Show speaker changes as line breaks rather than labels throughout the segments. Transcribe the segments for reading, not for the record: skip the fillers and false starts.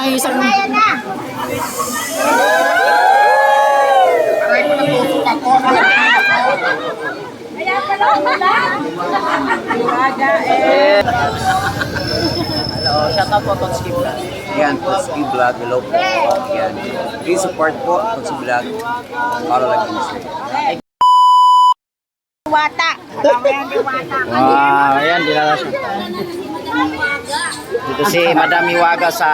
may isang...
Ayan na.
Aray ko natusok ako.
Kaya pala wala.
Hello, shout out po Totski Vlog.
Yan, Totski Vlog. Hello po. Yan. Please support po Totski Vlog. Para lang yun.
Wata. Alam mo yan, diwata.
Wow, ayan, dinala siya. Dito si Madam Iwaga sa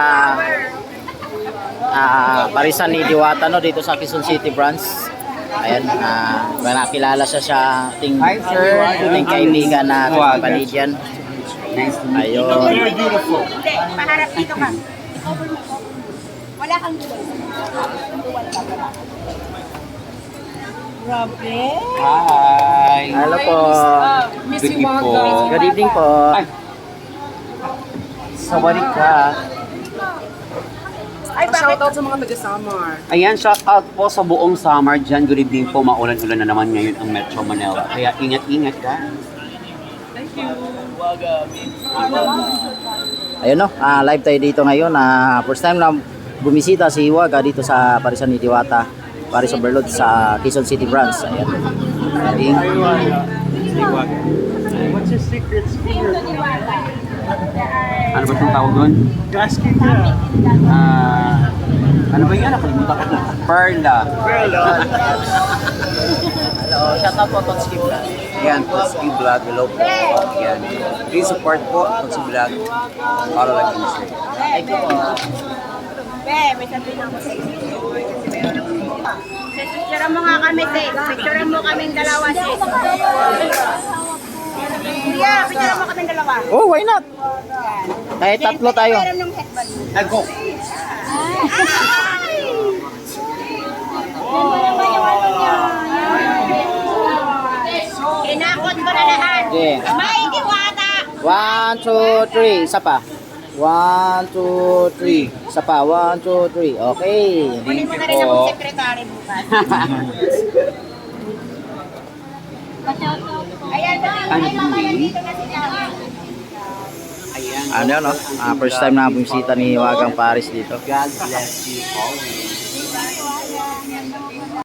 Parisan ni Diwata, no, dito sa Quezon City branch. Ayan, nakilala siya sa ating kaibigan na Panidyan.
Nice to meet you.
Ayun.
Hindi, paharap dito ka. Wala kang duwal. Duwal ka pala. Grabe.
Hi.
Hello po.
Good evening po.
Good evening po.
Ay. Sawadee ka.
Ay, bakit?
Shoutout sa mga taga-Samar.
Ayan, shout out po sa buong summer dyan. Good evening po. Maulan-ulan na naman ngayon ang Metro Manila. Kaya ingat-ingat ka.
Ayun, no, live tayo dito ngayon. First time na bumisita si Iwaga dito sa Parisan ni Diwata, Paris Overload sa Quezon City branch. Ayan.
What's your secret speaker?
Ano ba itong tawag doon?
Gasket ka.
Ano ba yan? Nakalimutan ko na. Perla.
Hello, shout out po Totski Vlog.
Yan, Totski Vlog. Hello po. Yan. Please support po Totski Vlog. Para lang yun.
Thank you po.
Be, may sabihin ako sa inyo. Picture mo nga kami, te. Picture mo kaming dalawa, te. Kuya, picture mo kaming dalawa.
Oh, why not? Kahit tatlo tayo.
Meron ng headband.
Go!
Inakot ko na lahat.
Okay.
May diwata.
1, 2, 3. Isa pa. 1, 2, 3. Isa pa. 1, 2, 3. Okay.
Kunin mo na rin akong sekretary bukas. Ayan, ay mama nandito na sila.
Ayan.
Ano, no? First time na bumisita ni Wagang Paris dito.
God bless you always.